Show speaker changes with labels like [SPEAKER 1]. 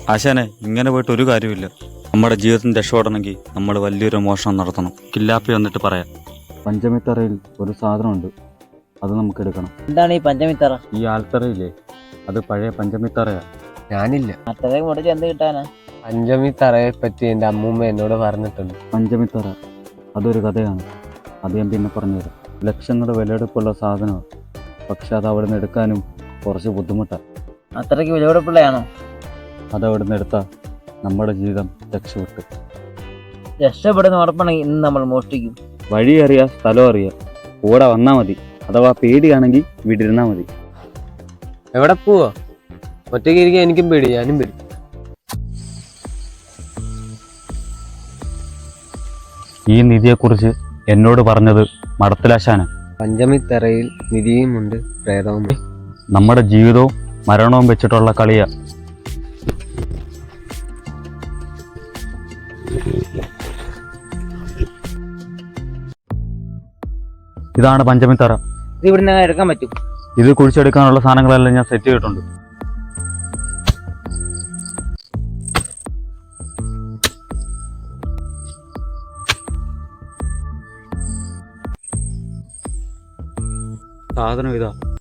[SPEAKER 1] ആശാനെ, ഇങ്ങനെ പോയിട്ട് ഒരു കാര്യമില്ല. നമ്മുടെ ജീവിതത്തിന് രക്ഷപ്പെടണമെങ്കിൽ നമ്മൾ വലിയൊരു മോഷണം നടത്തണം. കില്ലാപ്പി വന്നിട്ട് പറയാം. പഞ്ചമിത്തറയിൽ ഒരു സാധനമുണ്ട്, അത് നമുക്ക് എടുക്കണം.
[SPEAKER 2] എന്താണ് ഈ പഞ്ചമിത്തറ?
[SPEAKER 1] ഈ ആൽത്തറയില്ലേ, അത് പഴയ പഞ്ചമിത്തറയാ.
[SPEAKER 3] ഞാനില്ല.
[SPEAKER 2] അത്രയും മുടിച്ച് എന്ത് കിട്ടാനാ?
[SPEAKER 3] പഞ്ചമി തറയെ പറ്റി എൻ്റെ അമ്മൂമ്മ എന്നോട് പറഞ്ഞിട്ടുണ്ട്.
[SPEAKER 1] പഞ്ചമിത്തറ അതൊരു കഥയാണ്, അത് ഞാൻ പിന്നെ പറഞ്ഞുതരാം. ലക്ഷങ്ങളുടെ വിലയെടുപ്പുള്ള സാധനമാണ്, പക്ഷെ അത് അവിടെ നിന്ന് എടുക്കാനും കുറച്ച് ബുദ്ധിമുട്ടാണ്.
[SPEAKER 2] അത്രയ്ക്ക് വിലപിടിപ്പുള്ളയാണോ?
[SPEAKER 1] അത് അവിടെ നിന്ന് എടുത്താൽ നമ്മുടെ ജീവിതം രക്ഷപ്പെട്ടു.
[SPEAKER 2] രക്ഷപ്പെടുന്ന ഉറപ്പാണെങ്കിൽ ഇന്ന് നമ്മൾ മോഷ്ടിക്കും.
[SPEAKER 1] വഴി അറിയാം, സ്ഥലം അറിയാം, കൂടെ വന്നാൽ മതി. അഥവാ പേടിയാണെങ്കിൽ വീട്ടിലിരുന്നാൽ മതി.
[SPEAKER 3] എവിടെ പോവാ? ഒറ്റയ്ക്ക് ഇരിക്കാൻ എനിക്കും പേടി, ഞാനും പേടി.
[SPEAKER 1] ഈ നിധിയെക്കുറിച്ച് എന്നോട് പറഞ്ഞത് മടത്തിലാശാന.
[SPEAKER 3] പഞ്ചമി തറയിൽ നിധിയുമുണ്ട്, പ്രേതവുമുണ്ട്.
[SPEAKER 1] നമ്മുടെ ജീവിതവും മരണവും വെച്ചിട്ടുള്ള കളിയാ. ഇതാണ് പഞ്ചമിത്തറ.
[SPEAKER 2] ഇത് ഇവിടുന്ന് എടുക്കാൻ പറ്റും?
[SPEAKER 1] ഇത് കുഴിച്ചെടുക്കാനുള്ള സാധനങ്ങളെല്ലാം ഞാൻ സെറ്റ് ചെയ്തിട്ടുണ്ട്. സാധനം ഇതാ.